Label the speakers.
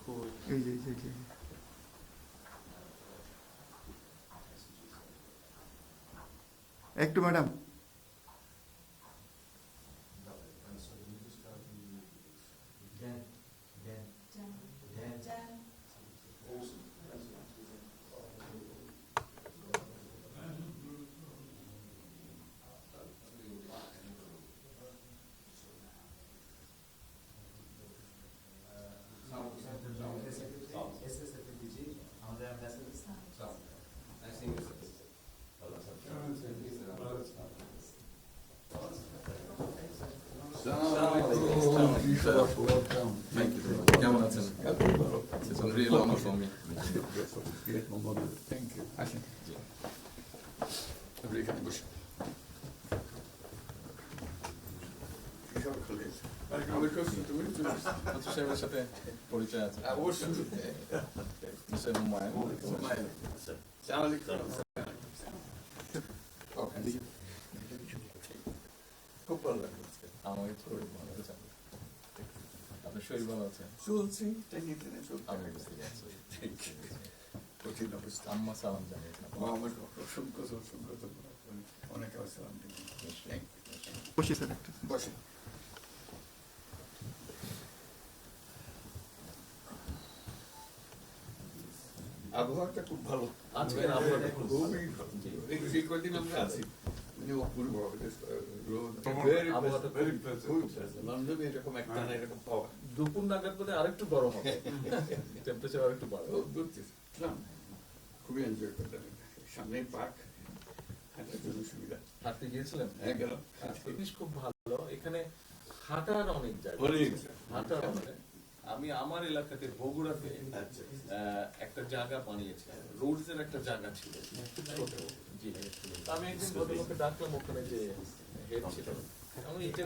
Speaker 1: এই যে এই যে এই যে একটু ম্যাডাম
Speaker 2: Thank you. কেমন আছেন? It's a real honor for me.
Speaker 3: Thank you. আসেন। আপনি এখানে বসুন। আমার কাছে তুমি চলে এসেছো।
Speaker 2: আচ্ছা সাহেবের সাথে পরিচয় আছে।
Speaker 3: অবশ্যই।
Speaker 2: মিস্টার হুমায়ুন।
Speaker 3: আসসালামু আলাইকুম। খুব ভালো লাগলো আজকে।
Speaker 2: আমাকে শরীর ভালো আছে। আপনার শরীর ভালো আছে?
Speaker 3: চলছি, টেনে টেনে চলছি।
Speaker 2: আমি বুঝতে পারছি।
Speaker 3: কঠিন অবস্থা।
Speaker 2: আম্মা সালাম জানিয়েছেন।
Speaker 3: আমার অসংখ্য অনেক আসসালাম।
Speaker 1: বসি স্যার একটু
Speaker 3: বসে আবহাওয়াটা খুব ভালো।
Speaker 2: আজকের আবহাওয়াটা খুব ভালো।
Speaker 3: খুবই ভালো। এই কদিন আমরা আছি মানে অপূর্ব রোদ।
Speaker 2: আবহাওয়াটা
Speaker 3: লন্ডনে এরকম একটা না এরকম পাওয়া
Speaker 2: দুপুর নাগাদ বোধ আরেকটু গরম হবে, টেম্পারেচার আরেকটু বাড়বে।
Speaker 3: খুবই এনজয় করলাম। সামনে পার্ক, হাঁটার জন্য সুবিধা।
Speaker 2: হাঁটতে গিয়েছিলেন?
Speaker 3: হ্যাঁ গেলাম।
Speaker 2: জিনিস খুব ভালো, এখানে হাঁটার অনেক জায়গা। হাঁটার অনেক। আমি আমার এলাকাতে বগুড়াতে একটা জায়গা বানিয়েছি, রোডস এর একটা জায়গা ছিল খুব ছোট। জি, আমি একদিন ভদ্রলোককে ডাকলাম, ওখানে যে হেড ছিল, আমি এটা